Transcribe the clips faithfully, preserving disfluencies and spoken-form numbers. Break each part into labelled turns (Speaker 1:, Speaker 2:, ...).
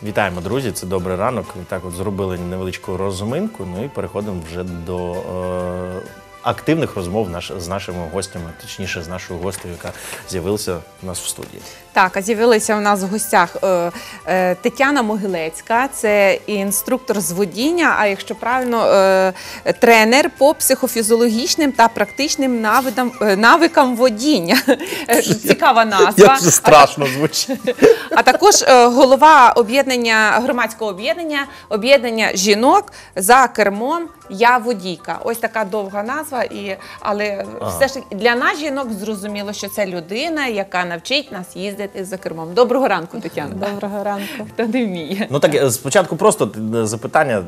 Speaker 1: Вітаємо, друзі! Це «Добрий ранок». Так от зробили невеличку розминку, ну і переходимо вже до е, активних розмов наш, з нашими гостями, точніше з нашою гостею, яка з'явилася у нас в студії.
Speaker 2: Так, а з'явилася у нас в гостях е, е, Тетяна Могилецька, це інструктор з водіння, а якщо правильно, е, тренер по психофізіологічним та практичним навидам, е, навикам водіння. Цікава назва.
Speaker 1: Як це страшно звучить.
Speaker 2: А також е, голова об'єднання, громадського об'єднання, об'єднання жінок за кермом «Я водійка». Ось така довга назва, і, але ага. все ж для нас, жінок, зрозуміло, що це людина, яка навчить нас їздити за кермом. Доброго ранку, Тетяна.
Speaker 3: Доброго ранку.
Speaker 2: Хто не вміє.
Speaker 1: Ну так, спочатку просто запитання,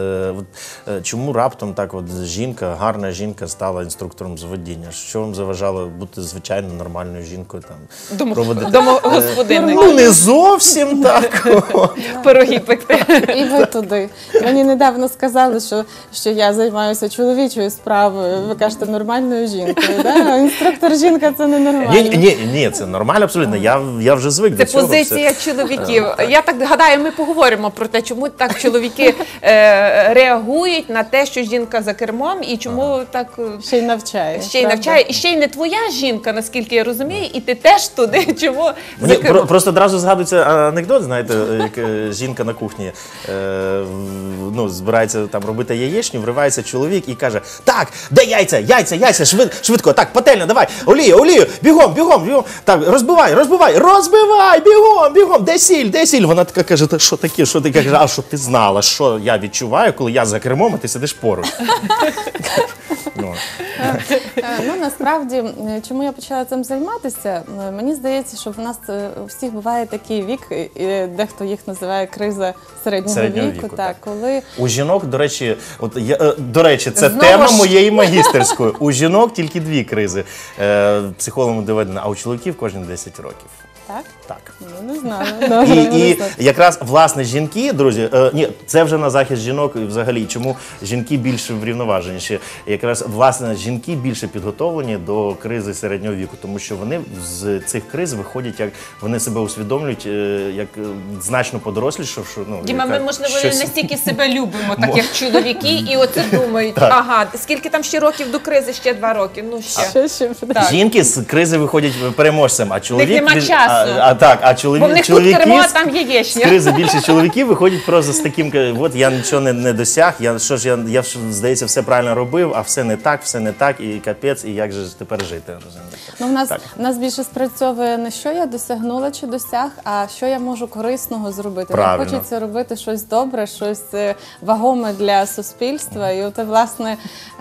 Speaker 1: чому раптом так от жінка, гарна жінка стала інструктором з водіння? Що вам заважало бути звичайно нормальною жінкою? Там, проводити...
Speaker 2: Домогосподинною.
Speaker 1: Ну не зовсім так.
Speaker 2: Пироги пекти.
Speaker 3: І ви туди. Мені недавно сказали, що, що я займаюся чоловічою справою. Ви кажете, нормальною жінкою. Да? Інструктор жінка – це не нормально.
Speaker 1: Ні, ні, ні, це нормально абсолютно. Я, я вже звик
Speaker 2: це
Speaker 1: до цього.
Speaker 2: Це позиція все. Чоловіків. Я так гадаю, ми поговоримо про те, чому так чоловіки е, реагують на те, що жінка за кермом, і чому ага. так...
Speaker 3: Ще й навчає.
Speaker 2: Ще й навчає. І ще й не твоя жінка, наскільки я розумію, і ти теж туди, чому
Speaker 1: Мені
Speaker 2: за кермом.
Speaker 1: Просто одразу згадується анекдот, знаєте, як жінка на кухні е, ну, збирається там робити яєчню, вривається чоловік і каже: так, де яйця, яйця, яйця, швид, швидко, так, пательня, давай, олію, олію, бігом, бігом, бігом, так, розбивай, розбивай, розбивай, бігом, бігом, де сіль, де сіль? Вона така каже: та що таке, що ти кажеш, а щоб ти знала, що я відчуваю, коли я за кермом, а ти сидиш поруч.
Speaker 3: Ну, насправді, чому я почала цим займатися? Мені здається, що в нас у всіх буває такий вік, і дехто їх називає криза середнього, середнього віку. віку так, коли...
Speaker 1: У жінок, до речі, от я, до речі, це
Speaker 2: Знову
Speaker 1: тема
Speaker 2: ж...
Speaker 1: моєї магістерської. У жінок тільки дві кризи. Е, психологом доведено, а у чоловіків кожні десять років.
Speaker 3: Так?
Speaker 1: Так.
Speaker 3: Ну, не знаю.
Speaker 1: І, і якраз, власне, жінки, друзі, е, ні, це вже на захист жінок і взагалі, чому жінки більш врівноваженіші. Якраз, власне, жінки більше підготовлені до кризи середнього віку, тому що вони з цих криз виходять, як вони себе усвідомлюють, е, як значно подорослішавши. Ну,
Speaker 2: Діма,
Speaker 1: яка,
Speaker 2: ми, можливо,
Speaker 1: щось...
Speaker 2: не настільки себе любимо, так як чоловіки, і оце думають, так. ага, скільки там ще років до кризи? Ще два роки, ну ще.
Speaker 3: Ще, ще.
Speaker 1: Жінки з кризи виходять переможцем, а чоловік...
Speaker 2: нема
Speaker 1: від...
Speaker 2: часу.
Speaker 1: А, а, так, а чоловік,
Speaker 2: бо в них
Speaker 1: чоловіки
Speaker 2: тут кермо, а там яєчня.
Speaker 1: З кризи більше чоловіків виходять просто з таким, от я нічого не, не досяг, я, що ж, я, я, здається, все правильно робив, а все не так, все не так, і капець, і як же тепер жити?
Speaker 3: Ну, в нас, в нас більше спрацьовує не що я досягнула чи досяг, а що я можу корисного зробити. Мені хочеться робити щось добре, щось вагоме для суспільства. І от, власне,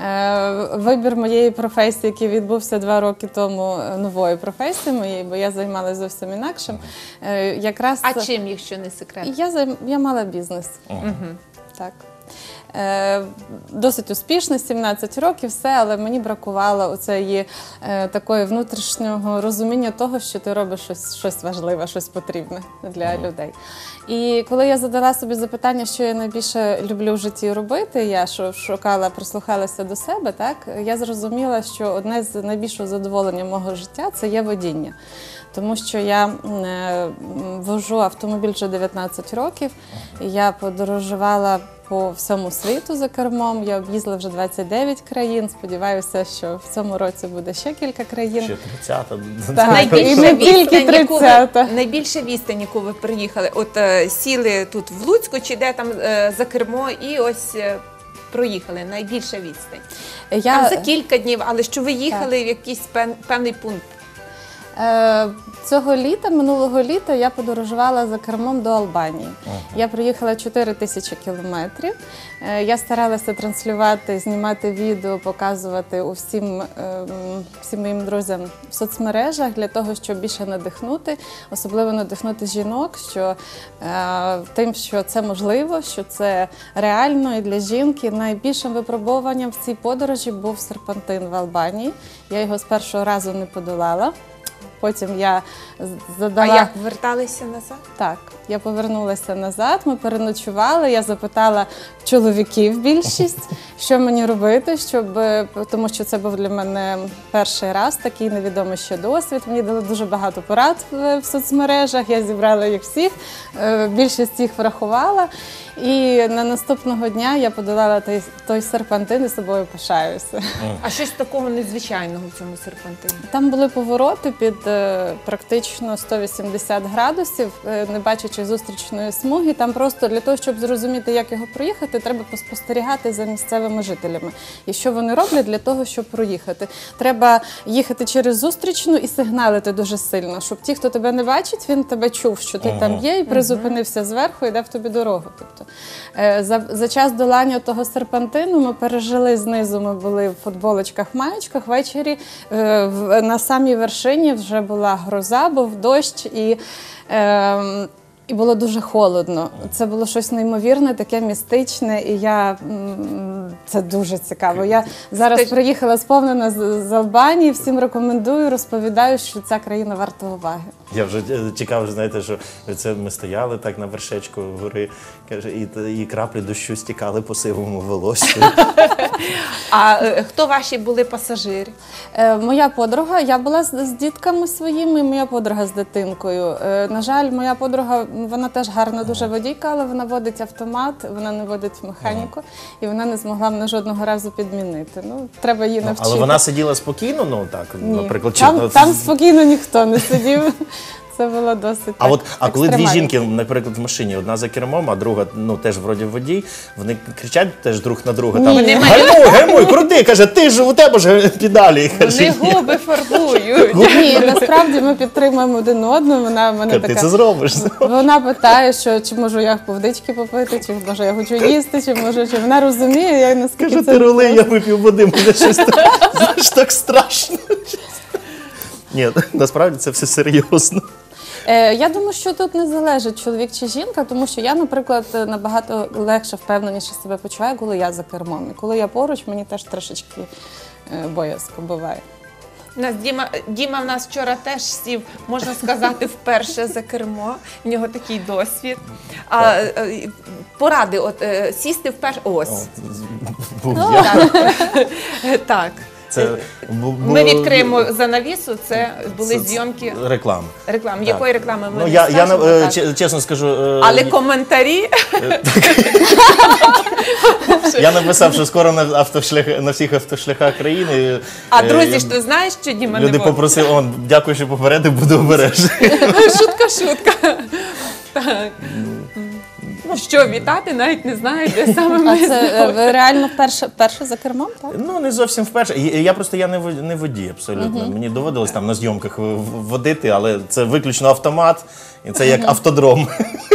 Speaker 3: вибір моєї професії, який відбувся два роки тому, нової професії моєї, бо я займалася зовсім інакшим. Якраз...
Speaker 2: А чим, якщо не секрет?
Speaker 3: Я, займ... я мала бізнес. Угу. Так. Е, досить успішно, сімнадцять років, все, але мені бракувало оцеї е, такої внутрішнього розуміння того, що ти робиш щось, щось важливе, щось потрібне для mm. людей. І коли я задала собі запитання, що я найбільше люблю в житті робити, я шукала, прислухалася до себе, так, я зрозуміла, що одне з найбільшого задоволення мого життя – це є водіння. Тому що я е, вожу автомобіль вже дев'ятнадцять років, я подорожувала по всьому світу за кермом, я об'їздила вже двадцять дев'ять країн, сподіваюся, що в цьому році буде ще кілька країн.
Speaker 1: Ще тридцята.
Speaker 3: Так,
Speaker 2: найбільше
Speaker 3: і не тільки тридцята.
Speaker 2: Найбільше відстань, яку ви приїхали, от е, сіли тут в Луцьку, чи де там е, за кермо, і ось... Е, проїхали, найбільша відстань. Я... Там за кілька днів, але що ви їхали так. в якийсь пев... певний пункт?
Speaker 3: Цього літа, минулого літа, я подорожувала за кермом до Албанії. Ага. Я проїхала чотири тисячі кілометрів. Я старалася транслювати, знімати відео, показувати усім, всім моїм друзям в соцмережах для того, щоб більше надихнути, особливо надихнути жінок, що тим, що це можливо, що це реально і для жінки. Найбільшим випробуванням в цій подорожі був серпантин в Албанії. Я його з першого разу не подолала. Потім я з-
Speaker 2: А
Speaker 3: задала...
Speaker 2: як верталися назад?
Speaker 3: Так, я повернулася назад, ми переночували, я запитала чоловіків більшість, що мені робити, щоб, е, тому що це був для мене перший раз, такий невідомий ще досвід. Мені дали дуже багато порад в, в соцмережах, я зібрала їх всіх, е, більшість їх врахувала. І на наступного дня я подолала той, той серпантин і собою пишаюся.
Speaker 2: А щось такого незвичайного в цьому серпантині?
Speaker 3: Там були повороти під е, практично сто вісімдесят градусів, е, не бачачи зустрічної смуги. Там просто для того, щоб зрозуміти, як його проїхати, треба поспостерігати за місцевими жителями. І що вони роблять для того, щоб проїхати. Треба їхати через зустрічну і сигналити дуже сильно, щоб ті, хто тебе не бачить, він тебе чув, що ти там є, і призупинився зверху і дав тобі дорогу. Тобто, е, за, за час долання того серпантину ми пережили знизу, ми були в футболочках, маєчках, ввечері е, в, на самій вершині вже була гроза, був дощ і, е, і було дуже холодно. Це було щось неймовірне, таке містичне, і я, м, це дуже цікаво. Я зараз
Speaker 2: Скажи-
Speaker 3: приїхала сповнена з, з Албанії, всім рекомендую, розповідаю, що ця країна варта уваги.
Speaker 1: Я вже е, чекав, знаєте, що це ми стояли так на вершечку гори, каже, і, і краплі дощу стікали по сивому волоссю.
Speaker 2: А е, хто ваші були пасажири?
Speaker 3: Е, Моя подруга, я була з, з дітками своїми, моя подруга з дитинкою. Е, На жаль, моя подруга, вона теж гарна дуже водійка, але вона водить автомат, вона не водить механіку, і вона не змогла мене жодного разу підмінити. Ну, треба її навчити.
Speaker 1: Але вона сиділа спокійно, ну так,
Speaker 3: Ні.
Speaker 1: наприклад, чи-
Speaker 3: Там, там спокійно ніхто не сидів. Це було досить
Speaker 1: А
Speaker 3: так,
Speaker 1: от а коли дві
Speaker 3: екстремально.
Speaker 1: жінки, наприклад, в машині, одна за кермом, а друга ну теж вроді водій, вони кричать теж друг на друга. Там
Speaker 3: Ні.
Speaker 1: гальмуй, гальмуй, крути, каже, ти ж у тебе ж педалі. Каже,
Speaker 2: Вони губи фарбують.
Speaker 3: Ні, насправді ми підтримуємо один одного. Вона в мене
Speaker 1: ти
Speaker 3: така.
Speaker 1: це зробиш.
Speaker 3: Вона питає, що чи можу я повдички попити, чи може я хочу їсти, чи може, чи вона розуміє, я наскільки
Speaker 1: Каже,
Speaker 3: це
Speaker 1: ти рули, я вип'ю води, мене щось так, знаєш, так страшно. Ні, насправді це все серйозно.
Speaker 3: Е, Я думаю, що тут не залежить чоловік чи жінка, тому що я, наприклад, набагато легше, впевненіше себе почуваю, коли я за кермом. І коли я поруч, мені теж трошечки е, боязко буває.
Speaker 2: У нас Діма, Діма в нас вчора теж сів, можна сказати, вперше за кермо. В нього такий досвід. А, е, поради, от е, сісти вперше. Ось.
Speaker 1: Був я.
Speaker 2: Так. Так.
Speaker 1: Це бу-
Speaker 2: Ми
Speaker 1: було-
Speaker 2: відкриємо занавісу, це були
Speaker 1: це-
Speaker 2: зйомки
Speaker 1: реклами.
Speaker 2: реклами.
Speaker 1: Так.
Speaker 2: Якої реклами ми
Speaker 1: Ну,
Speaker 2: не
Speaker 1: я, я
Speaker 2: скажемо,
Speaker 1: е,
Speaker 2: так.
Speaker 1: че- чесно скажу, е,
Speaker 2: Але коментарі
Speaker 1: я написав, що скоро на автошлях на всіх автошляхах країни.
Speaker 2: А
Speaker 1: е,
Speaker 2: друзі
Speaker 1: я-
Speaker 2: ж ти знаєш, що Діма не
Speaker 1: люди
Speaker 2: може?
Speaker 1: попросили, он, дякую, що попередив, буду обережний.
Speaker 2: Шутка, шутка. Так. Ну, що, вітати навіть не знаю, де саме
Speaker 3: А
Speaker 2: ми
Speaker 3: це е,
Speaker 2: знаходимося.
Speaker 3: ви реально вперше, вперше за кермом, так?
Speaker 1: Ну, не зовсім вперше. І- Я просто я не вод- не водій абсолютно. Мені доводилось там на зйомках в- в- водити, але це виключно автомат, і це як автодром.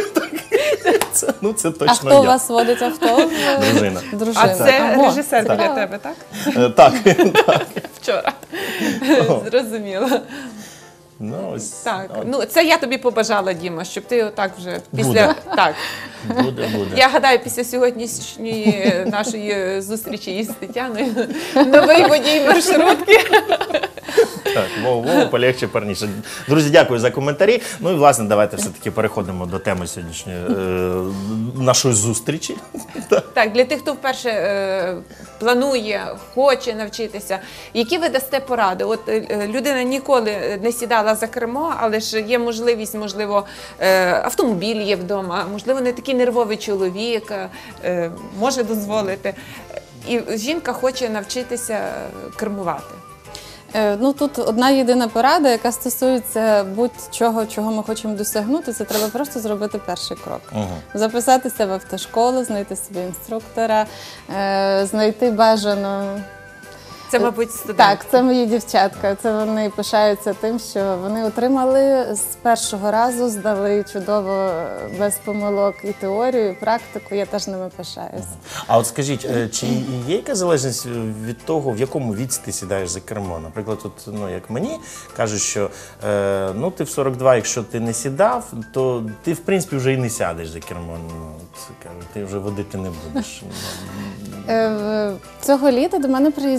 Speaker 1: Це, ну, це
Speaker 3: А
Speaker 1: точно
Speaker 3: хто
Speaker 1: я.
Speaker 3: у вас водить авто?
Speaker 1: Дружина.
Speaker 3: Дружина.
Speaker 2: А це
Speaker 3: Ого,
Speaker 2: режисер для
Speaker 3: цікаво.
Speaker 2: тебе, так?
Speaker 1: Е, Так, так.
Speaker 2: Вчора. Зрозуміло.
Speaker 1: Ну, ось,
Speaker 2: Так,
Speaker 1: от,
Speaker 2: ну це я тобі побажала, Діма, щоб ти отак вже після
Speaker 1: Буде.
Speaker 2: так.
Speaker 1: буде, буде.
Speaker 2: Я гадаю, після сьогоднішньої нашої зустрічі із Тетяною новий водій маршрутки.
Speaker 1: Так, воу-воу, полегче, парніше. Друзі, дякую за коментарі. Ну і, власне, давайте все-таки переходимо до теми сьогоднішньої е, нашої зустрічі.
Speaker 2: Так, для тих, хто вперше е, планує, хоче навчитися, які ви дасте поради? От е, людина ніколи не сідала за кермо, але ж є можливість, можливо, е, автомобіль є вдома, можливо, не такий нервовий чоловік, е, може дозволити. І жінка хоче навчитися кермувати.
Speaker 3: Е, Ну тут одна єдина порада, яка стосується будь-чого, чого ми хочемо досягнути, це треба просто зробити перший крок. Записатися в автошколу, знайти собі інструктора, е, знайти бажано.
Speaker 2: Це, мабуть, студент.
Speaker 3: Так, це мої дівчатка. Це вони пишаються тим, що вони отримали з першого разу, здали чудово, без помилок і теорію, і практику. Я теж ними пишаюся.
Speaker 1: А от скажіть, е, чи є якась залежність від того, в якому віці ти сідаєш за кермо? Наприклад, от, ну, як мені кажуть, що е, ну, ти в сорок два, якщо ти не сідав, то ти, в принципі, вже і не сядеш за кермо. Ну, от, кажуть, ти вже водити не будеш.
Speaker 3: Е, в- Цього літа до мене приїздила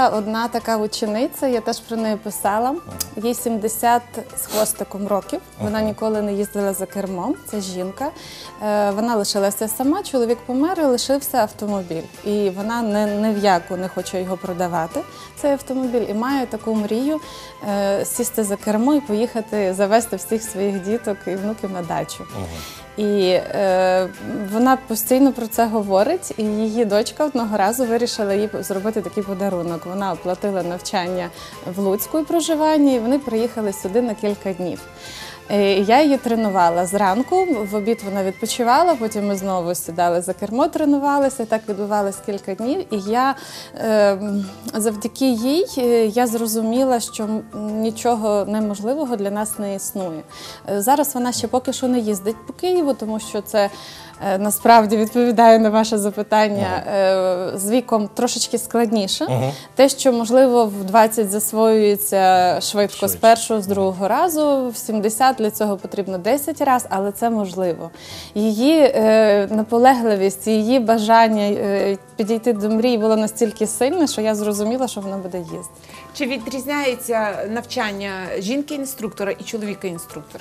Speaker 3: була одна така учениця, я теж про неї писала. Їй сімдесят з хвостиком років. Вона ніколи не їздила за кермом. Це жінка. Е, Вона лишилася сама, чоловік помер і лишився автомобіль. І вона не, не в яку не хоче його продавати, цей автомобіль, і має таку мрію е, сісти за кермо і поїхати завести всіх своїх діток і внуків на дачу. І е, вона постійно про це говорить, і її дочка одного разу вирішила їй зробити такий подарунок. Вона оплатила навчання в Луцьку і проживання, і вони приїхали сюди на кілька днів. Е, Я її тренувала зранку, в обід вона відпочивала, потім ми знову сідали за кермо, тренувалися, так відбувалося кілька днів. І я е, завдяки їй е, я зрозуміла, що м- нічого неможливого для нас не існує. Е, Зараз вона ще поки що не їздить по Києву, тому що це е, насправді відповідає на ваше запитання, е, з віком трошечки складніше. Те, що можливо в двадцять засвоюється швидко з
Speaker 1: Швидше.
Speaker 3: першого, з другого разу, в сімдесят для цього потрібно десять разів, але це можливо. Її е, наполегливість, її бажання е, підійти до мрії було настільки сильне, що я зрозуміла, що вона буде їздити.
Speaker 2: Чи відрізняється навчання жінки-інструктора і чоловіка-інструктора?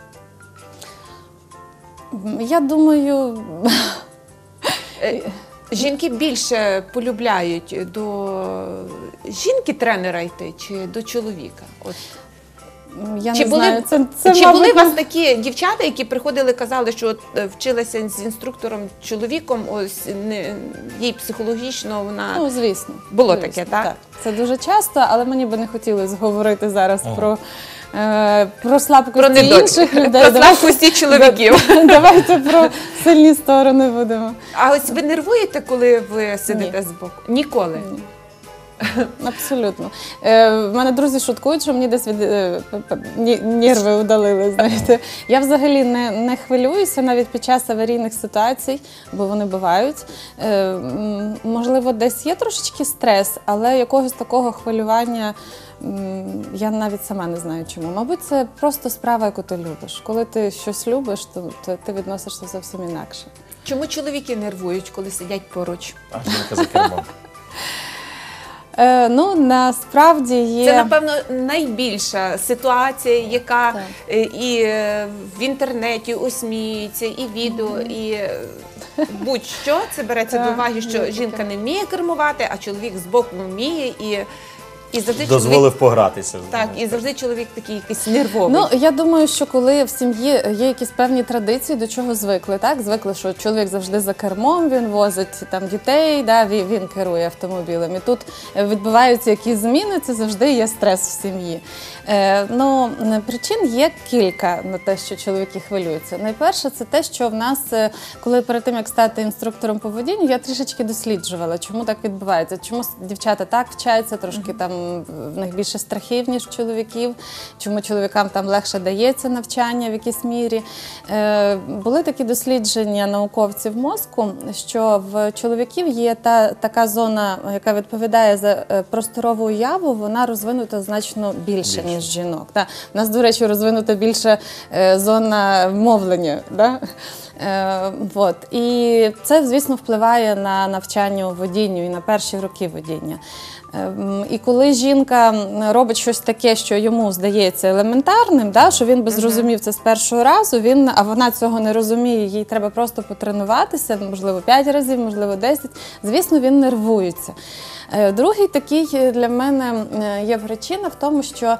Speaker 3: Я думаю,
Speaker 2: Е, Жінки більше полюбляють до жінки-тренера йти чи до чоловіка? От.
Speaker 3: я
Speaker 2: Чи
Speaker 3: не
Speaker 2: були,
Speaker 3: знаю, це, це
Speaker 2: чи
Speaker 3: мабуть,
Speaker 2: були у вас такі дівчата, які приходили, казали, що от, е, вчилися з інструктором чоловіком, ось не, їй психологічно вона...
Speaker 3: Ну, звісно.
Speaker 2: Було
Speaker 3: звісно,
Speaker 2: таке, так?
Speaker 3: Це дуже часто, але мені би не хотілося говорити зараз про, е, про слабкості
Speaker 2: Про недоліки.
Speaker 3: інших людей.
Speaker 2: Про
Speaker 3: Давайте-
Speaker 2: слабкості чоловіків.
Speaker 3: Давайте про сильні сторони будемо.
Speaker 2: А ось ви нервуєте, коли ви сидите
Speaker 3: Ні.
Speaker 2: збоку? Ніколи?
Speaker 3: Абсолютно. Е, в мене друзі шуткують, що мені десь від е, п- п- ні- нерви удалили. Знаєте, я взагалі не, не хвилююся навіть під час аварійних ситуацій, бо вони бувають. Е, м, можливо, десь є трошечки стрес, але якогось такого хвилювання м, я навіть сама не знаю чому. Мабуть, це просто справа, яку ти любиш. Коли ти щось любиш, то, то ти відносишся зовсім інакше.
Speaker 2: Чому чоловіки нервують, коли сидять поруч?
Speaker 1: А жінка за кермом.
Speaker 3: Е, ну, насправді є...
Speaker 2: Це, напевно, найбільша ситуація, яка
Speaker 3: Так.
Speaker 2: е, і е, в інтернеті осміюється, і відео, і е, будь-що. Це береться
Speaker 3: Так,
Speaker 2: до уваги,
Speaker 3: є
Speaker 2: що
Speaker 3: таке.
Speaker 2: жінка не вміє кермувати, а чоловік збоку вміє. І, і завжди
Speaker 1: Дозволив
Speaker 2: чоловік,
Speaker 1: погратися.
Speaker 2: так, і завжди чоловік такий якийсь нервовий.
Speaker 3: Ну, я думаю, що коли в сім'ї є якісь певні традиції, до чого звикли, так? Звикли, що чоловік завжди за кермом, він возить там дітей, да, він, він керує автомобілем. І тут відбуваються якісь зміни, це завжди є стрес в сім'ї. Е, ну, причин є кілька на те, що чоловіки хвилюються. Найперше, це те, що в нас, е, коли перед тим, як стати інструктором по водінню, я трішечки досліджувала, чому так відбувається, чому дівчата так вчаться, трошки там в них більше страхів, ніж в чоловіків, чому чоловікам там легше дається навчання в якійсь мірі. Е, були такі дослідження науковців мозку, що в чоловіків є та, така зона, яка відповідає за е, просторову уяву, вона розвинута значно більше,
Speaker 1: Більше.
Speaker 3: ніж жінок. Та. У нас, до речі, розвинута більше е, зона мовлення. Да? Е, вот. І це, звісно, впливає на навчання у водінню і на перші роки водіння. Ем, І коли жінка робить щось таке, що йому здається елементарним, да, що він би зрозумів це з першого разу, він, а вона цього не розуміє, їй треба просто потренуватися, можливо, п'ять разів, можливо, десять, звісно, він нервується. Е, Другий такий для мене е, є причина в тому, що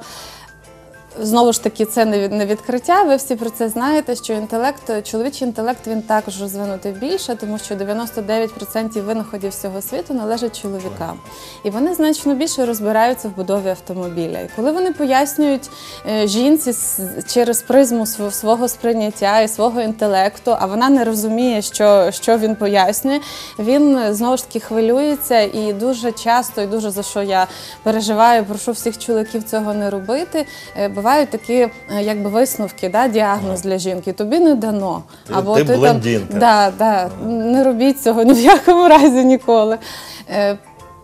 Speaker 3: знову ж таки, це не від- не відкриття, ви всі про це знаєте, що інтелект, чоловічий інтелект, він також розвинутий більше, тому що дев'яносто дев'ять відсотків винаходів всього світу належать чоловікам. І вони значно більше розбираються в будові автомобіля. І коли вони пояснюють е, жінці с- через призму св- свого сприйняття і свого інтелекту, а вона не розуміє, що, що він пояснює, він е, знову ж таки хвилюється і дуже часто, і дуже за що я переживаю, прошу всіх чоловіків цього не робити, е, бувають такі е, якби висновки, да, діагноз для жінки. Тобі не дано.
Speaker 1: Ти- ти блондинка.
Speaker 3: Там, да, да, не робіть цього ні в якому разі ніколи. Е,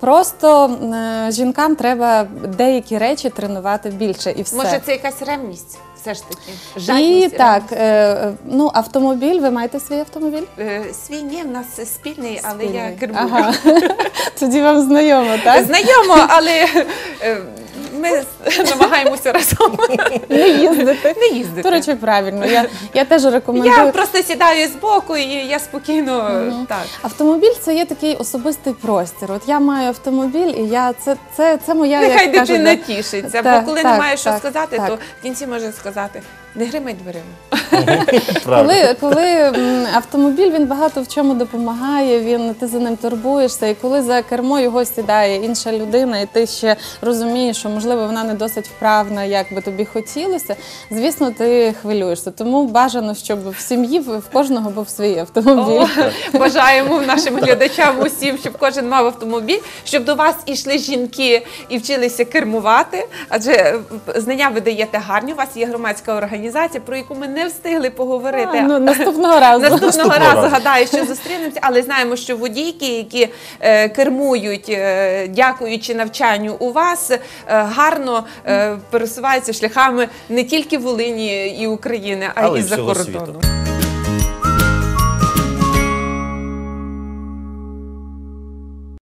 Speaker 3: Просто е, жінкам треба деякі речі тренувати більше і все.
Speaker 2: Може, це якась ревність? Все ж таки.
Speaker 3: І
Speaker 2: Жадність,
Speaker 3: так, е, е, ну, автомобіль, ви маєте свій автомобіль?
Speaker 2: Е, Свій ні, в нас спільний, але я
Speaker 3: Спільний.
Speaker 2: кермую.
Speaker 3: Ага. Тоді вам знайомо, так?
Speaker 2: Знайомо, але е, ми намагаємося разом
Speaker 3: Не їздити.
Speaker 2: не їздити.
Speaker 3: До речі, правильно. Я, я теж рекомендую.
Speaker 2: Я просто сідаю збоку і я спокійно так.
Speaker 3: Автомобіль це є такий особистий простір. От я маю автомобіль, і я це, це, це моя
Speaker 2: Нехай
Speaker 3: як кажуть,
Speaker 2: дитина
Speaker 3: да,
Speaker 2: тішиться,
Speaker 3: так,
Speaker 2: бо коли
Speaker 3: так,
Speaker 2: немає що
Speaker 3: так,
Speaker 2: сказати,
Speaker 3: так.
Speaker 2: то в кінці може сказати: не гримай дверима.
Speaker 1: Правда.
Speaker 3: Коли, коли м, автомобіль він багато в чому допомагає, він ти за ним турбуєшся, і коли за кермо його сідає інша людина, і ти ще розумієш, що можливо вона не досить вправна, як би тобі хотілося, звісно, ти хвилюєшся. Тому бажано, щоб в сім'ї в в кожного був свій автомобіль.
Speaker 2: О, бажаємо нашим глядачам усім, щоб кожен мав автомобіль, щоб до вас ішли жінки і вчилися кермувати, адже знання ви даєте гарні. У вас є громадська організація, про яку ми не встигли поговорити.
Speaker 3: А, ну, наступного разу.
Speaker 2: Наступного
Speaker 1: Наступного
Speaker 2: разу,
Speaker 1: разу.
Speaker 2: гадаю, що зустрінемося, але знаємо, що водійки, які е, кермують, е, дякуючи навчанню у вас, е, гарно е, пересуваються шляхами не тільки Волині і України, а й
Speaker 1: Але й
Speaker 2: за
Speaker 1: всього
Speaker 2: кордону.
Speaker 1: світу.